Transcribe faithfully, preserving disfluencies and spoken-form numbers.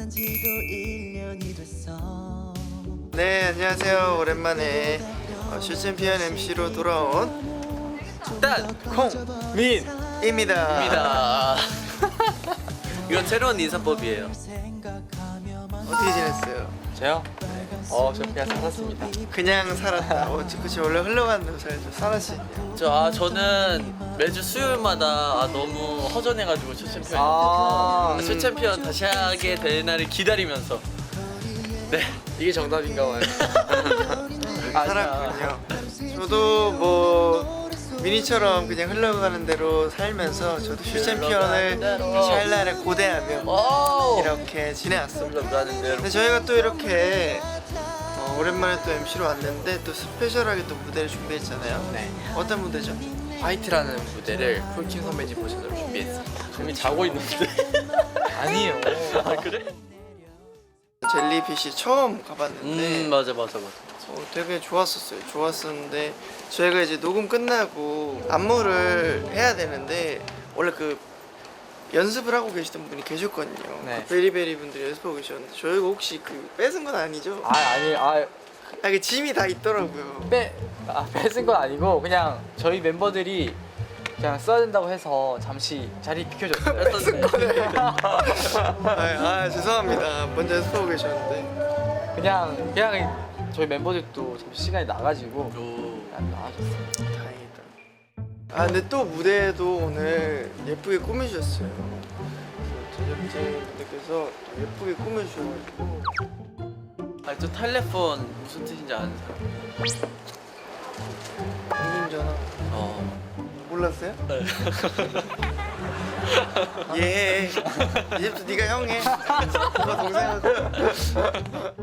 만난 지도 일 년이 됐어. 네, 안녕하세요. 오랜만에 어, 슈챔피언 엠시로 돌아온 콩민입니다. 입니다. 이건 새로운 인사법이에요. 어떻게 지냈어요? 저요? 어, 저 그냥 살았습니다. 그냥 살았다. 어, 그치 원래 흘러가는 대로 살죠. 살았지. 저, 아, 저는 매주 수요일마다 아, 너무 허전해가지고 슈챔피언 아, 음. 슈챔피언 다시 하게 될 날을 기다리면서 네, 이게 정답인가 봐요. 살았군요. 저도 뭐 미니처럼 그냥 흘러가는 대로 살면서 저도 슈챔피언을 다시 할 날을 고대하며 오! 이렇게 지내왔습니다. 흘러가는 대로. 근데 저희가 또 이렇게 어, 오랜만에 또 엠시로 왔는데 또 스페셜하게 또 무대를 준비했잖아요. 네. 어떤 무대죠? 화이트라는 무대를 폴킴 선배님 버전으로 준비했습니다. 이미 자고 있는데. 아니에요. 아, 그래? 젤리핏이 처음 가봤는데 음, 맞아, 맞아, 맞아. 어, 되게 좋았었어요. 좋았었는데 저희가 이제 녹음 끝나고 안무를 해야 되는데 원래 그 연습을 하고 계시던 분이 계셨거든요. 네. 그 베리베리 분들이 연습하고 계셨는데 저희가 혹시 그 뺏은 건 아니죠? 아, 아니, 아, 아, 그 짐이 다 있더라고요. 빼, 아, 뺏은 건 아니고 그냥 저희 멤버들이 그냥 써야 된다고 해서 잠시 자리 비켜줬어요. 뺏은 거네. 아, 아 죄송합니다. 먼저 연습하고 계셨는데. 그냥 그냥 저희 멤버들도 잠시 시간이 나가지고 오. 그냥 나와줬어요. 다행이다. 아 근데 또 무대도 오늘 예쁘게 꾸미셨어요. 제작진분들께서 또 예쁘게 꾸며주셔가지고. 아, 저 텔레폰 무슨 뜻인지 아는 사람? 공중전화 어. 몰랐어요? 네. 예. 이제부터 네가 형해. 누가 동생하고.